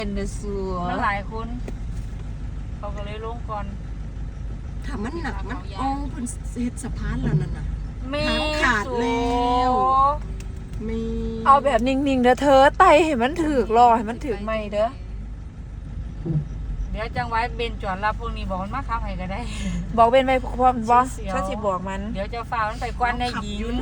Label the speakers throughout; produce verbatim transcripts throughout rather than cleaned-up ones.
Speaker 1: เป็นเดสูมันหลายคนเขาก็เลยลงก่อน
Speaker 2: ถ้ามันหนักมันโอ้เพิ่นเฮ็ดสะพานแล้วนั่นน่ะ
Speaker 1: ไม่
Speaker 2: ขาดแล้วมี
Speaker 3: เอาแบบนิ่งๆเด้อเธอไตให้มันถึกรอให้มันถึกไม่เด้อ
Speaker 1: เดี๋ยวจังไว้เบนจอดรับพวกนี้บอกมันมาขับให้ก็ได้
Speaker 3: บอกเบนไปพร้อมบ่ฉันสิบอกมัน
Speaker 1: เดี๋ยวจะฝ่ามันไปกวนในยิง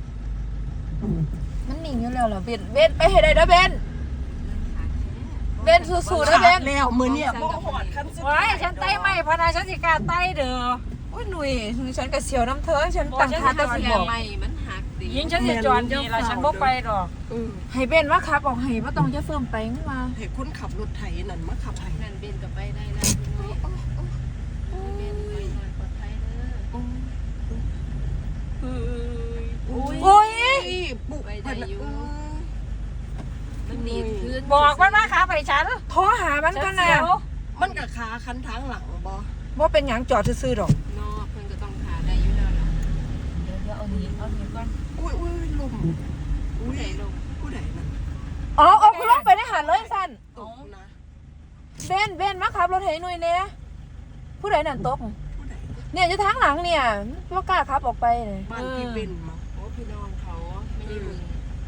Speaker 3: มันนิ่งอยู่แล้วเหรอเบนเบนไปให้ได้เด้อเบนเบนสู้ๆนะเบน
Speaker 2: แล้วมื้อนี้บ่ฮอดคันสุด
Speaker 1: ว้ายฉันไต้ไม่พนาฉันสิกล้าไต้เด้อ
Speaker 3: โอ้ยหนุ่ยฉันก็เสียวน้ำเธอฉันตั้งท่าจะสิบอก
Speaker 4: ไม่มันหักดิ
Speaker 1: ยิงฉันสิจอดนี่ล่ะฉันบ่ไปดอก
Speaker 3: ให้เบนว่าขับออกให้บ่ต้องจะเฟิ่มไปงั้นว่า
Speaker 2: ให้คนขับรถไถนั่นมาขับให้
Speaker 4: นั่นเบนก็ไปได้แล้วเบนไปหน่อยปลอดภัยเด้อ
Speaker 3: โอ้ย
Speaker 2: ปุไปได้อยู่
Speaker 4: มันหนีขึ้น
Speaker 1: บอกมันมาขับให้ฉัน
Speaker 3: โทรหามันกันน่ะ
Speaker 2: มันก็ขาคันทางหลังบ่
Speaker 3: บ่เป็นหยังจอดซื่อๆดอก
Speaker 4: นอกเพิ่นก็ต้องขาได้อยู่แล้วล่ะ
Speaker 1: เดี๋ยวเดี๋ยวเอาหนีเอาหนีก่อน
Speaker 2: อุ้ยอุ้ยลม
Speaker 4: อุ้ยลม
Speaker 2: ผู้ใดนั่น
Speaker 3: อ๋อเอาคุณลงไปได้หาเลยสั่น
Speaker 2: ตกนะ
Speaker 3: เบนเบนมาขับรถให้หน่อยแน่ผู้ใดนั่นตก
Speaker 2: ผู้ใด
Speaker 3: เนี่ยอยู่ทางหลังเนี่ยบ่กล้าขับออกไปเลย
Speaker 2: บ้านพี่เบนมั้ง
Speaker 4: โอ้พี่น้องเขาไม่ได้มึง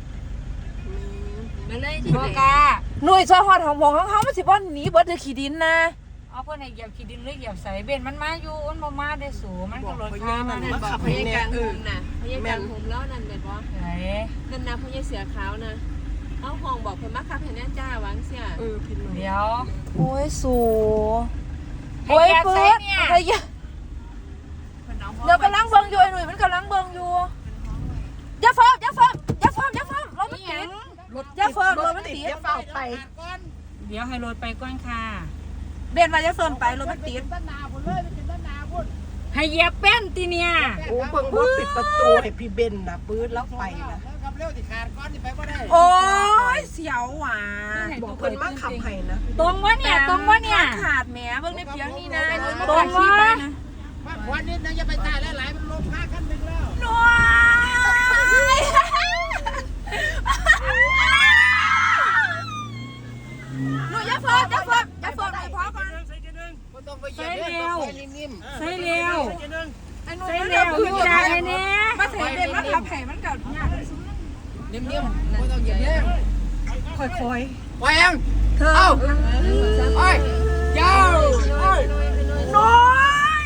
Speaker 4: มาเลยที่
Speaker 1: บ่กล้า
Speaker 3: หน่วยซอยฮอดของหมองของเฮามันสิบ่หนีเบิดคือขี้ดินนะ
Speaker 1: เอาเพิ่นให้เหยียบขี้ดินหรือเหยียบใส่เบนมันมาอยู่มันบ่มาได้สูมันก็รถ
Speaker 2: ข้า
Speaker 1: ข้าม
Speaker 2: มัน
Speaker 1: มา
Speaker 2: มาขับ
Speaker 4: พ
Speaker 2: ให้
Speaker 4: ยา
Speaker 2: แน่
Speaker 4: การ
Speaker 2: เอ
Speaker 4: หุ
Speaker 2: อ
Speaker 4: มน่ะพยาการหุมแล้วนั่นแม่นบ่
Speaker 1: ไหน
Speaker 4: นั่นนะพยาเสือขาวนะเอาห้องบอกเพิ่นมาขับให้แน่จ้าวางเสีย
Speaker 2: เออพี่น้อง
Speaker 1: เดี๋ยว
Speaker 3: โอ้ยสูโอ้ยเปิดไอ้ยะเดี๋ยวกำลังเบิ่งอยู่ไอ้หนุ่ยมันกำลังเบิ่งอยู่อย่าเฟิร์มอย่าเฟิร์มอย่าเฟิร์มอย่าเฟิร์มรถมันติดอย่าเฟิร์มรถมันติด
Speaker 2: อย่าเฝ้าไป
Speaker 1: เดี๋ยวให้รถไปก่อนค่ะ
Speaker 3: เบนมาอย่าเฟิร์มไปรถมันติด
Speaker 1: ให้เหยียบแป้นติเนี่ย
Speaker 2: โอ้เพิ่งบ่ปิดประตูให้พี่เบนน่ะปื๊ดแล้วไปนะ
Speaker 3: โอ้ยเสียวหว่ะ
Speaker 2: บอกเพิ่นมาขับให้นะ
Speaker 1: ตรงวะเนี่ยตรงวะเนี่ย
Speaker 3: ขาดแหมเบิ่งในเพียงนี่นะ
Speaker 1: ตรงวะ
Speaker 5: วันนี้นะอย่าไปตายหลายๆมันลงค่าขั้นหนึ่งแล้ว
Speaker 3: น้อยหนูอย่าเฟิร์มอย่าเฟิร์มอย่าเฟิร์มให้พอก่อน
Speaker 1: ใส่เร็วใส่เร็ว
Speaker 3: ใส่เร็วขึ้นใจเนี่ยมาใส่เบนมาขับให้มันกัดยาก
Speaker 4: นิ่มๆไม่ต้องเหยียบแรง
Speaker 3: ค่อย
Speaker 5: ไปยัง
Speaker 3: ๆเธอ
Speaker 5: เอ้าไปยาว
Speaker 3: น้อย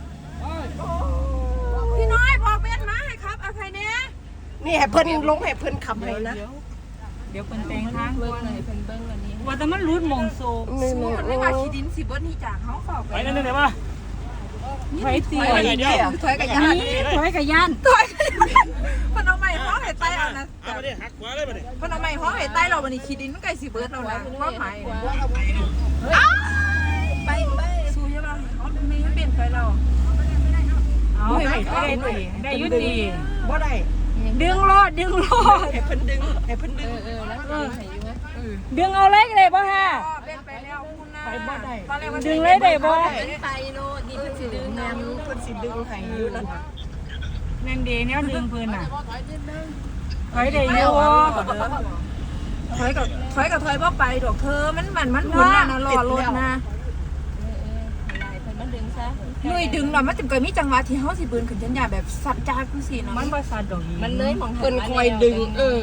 Speaker 3: พี่น้อยบอกเบนมาให้ครับเอาใครเนี่ย
Speaker 2: นี่ให้เพิ่นลงให้เพิ่นขับให้นะ
Speaker 1: เดี๋ยวเพิ่นแต่งทาง
Speaker 4: เบิ่
Speaker 1: ก่
Speaker 4: ง
Speaker 1: อน
Speaker 4: เลยเพิ่นเบิ่งอันนี้
Speaker 1: ว่าแต่มันรูดมงโซ
Speaker 2: นี่
Speaker 3: สู้มันไม่มาขี้ดินสิเบิ้ลนี่จากเขาเฝ้าไป
Speaker 5: ไปนั่นเลยป่ะ
Speaker 1: ถอยตี
Speaker 3: ถอยกับยันถอยกับยัน
Speaker 1: ถอยกับยัน
Speaker 3: ถอยพนเอาไม้ห้องให้ใต้เอานะ
Speaker 5: เอามาดิหักขวาเลยมาดิ
Speaker 3: พนเอาไม้ห้องให้ใต้เราวันนี้ขี้ดินมันไก่สิเบิ้ลเรานะว่าหมายไปไปสู้ยังไงเขาไม่ให้เปลี่ยนไปเรา
Speaker 1: เอาได้ได้ได้ยุติ
Speaker 2: บ่ได้
Speaker 1: ดึงรอดดึงรอด
Speaker 2: ให้เพิ่นดึงให้เพิ่นดึง
Speaker 4: เออแล้วดึงให้อยู่มั้ย
Speaker 1: ดึงเอาเล็กเลยป่ะฮะ
Speaker 3: เป็นไปแล้วคุณนะ
Speaker 2: ไปบ่ได้
Speaker 1: ดึงเลยได้บ่
Speaker 4: เป็นไปโลดนี่เพิ่นสิดึง
Speaker 2: แม่
Speaker 4: นำ
Speaker 2: เพิ่นสิดึงให้อยู่นั่นน่ะ
Speaker 1: นั่นดีเนี่ยดึงเพิ่นน่ะถอยได้อยู่
Speaker 3: ถอยกับถอยกับถอยว่าไปดอกเธอมันมันมันหมุนนะนะรอรถนะ
Speaker 4: เออๆอะไรเพิ่นมาดึงซะ
Speaker 3: ลุยดึงเรามันจึงเกิดมีจังหวะที่เฮาสิเบิ้ลขึ้นจังหวะแบบสัตว์จ้าคือสิเนาะ
Speaker 1: มันบ่ซัดดอกอี
Speaker 4: มันเลยมอง
Speaker 2: เพิ่นคอยดึงเออ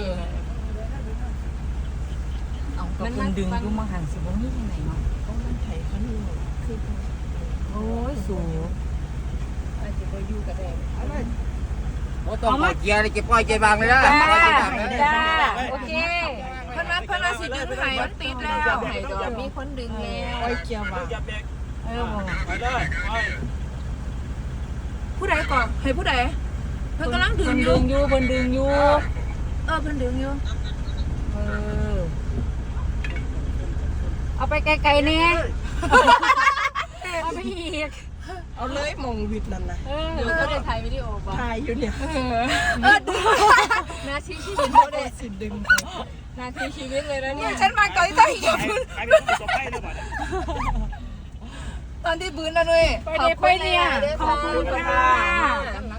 Speaker 1: เอาก็เพิ่นดึงอยู่มาหันสิบ่มีที่ไหนเนาะ
Speaker 2: มันไถคันนึงคือ
Speaker 1: โอ้ยสูง
Speaker 4: อาจจะบ่อยู่ก็ได้
Speaker 5: โอ้ต้องปล่อยเกียร์เลยเก็บปล่อยเกียร์บางเลยนะ
Speaker 1: จ้า
Speaker 5: ปล่อยเกียร์บางเลย
Speaker 1: จ้าโอเค
Speaker 3: เพิ่นว่าเพิ่นว่าสิดึงให้มันติดแล้ว
Speaker 4: ให้ดอกมีคนดึงแล้ว
Speaker 2: ปล่อยเกียร์ว่าง
Speaker 1: เออบ่
Speaker 5: ไปเลยไป
Speaker 3: ผู้ใดก่อนให้ผู้ใดเพิ่นกำลังดึ
Speaker 1: เพิ่
Speaker 3: ง
Speaker 1: น
Speaker 3: อ
Speaker 1: ดึ
Speaker 3: ยู่
Speaker 1: งอยู่เพิ่นดึงอยู่
Speaker 3: เออเพิ่นดึงอยู่
Speaker 1: เออเอาไปไกลๆนี่เอาไปอีก
Speaker 2: เอาเลยมองวิดนั่นน่ะ
Speaker 1: เออ
Speaker 4: เดี๋ยวก็ได้ถ่ายวิดีโอบ่
Speaker 2: ถ่ายอยู่เนี่ย
Speaker 3: เออดึง
Speaker 4: นาทีชีวิต
Speaker 2: บ่ได้สิดึง
Speaker 4: นาทีชีวิตเลยนะเนี่ย
Speaker 3: ฉันมาก่อนที่จะ
Speaker 5: ไปเป็นผู้สบให้ด้วยบ่เนี่ย
Speaker 3: ตอนที่บื้นนะนุ้ย
Speaker 1: ไปเดี๋ยวไปเนี่ยขอบคุณค่ะ
Speaker 4: กำลัง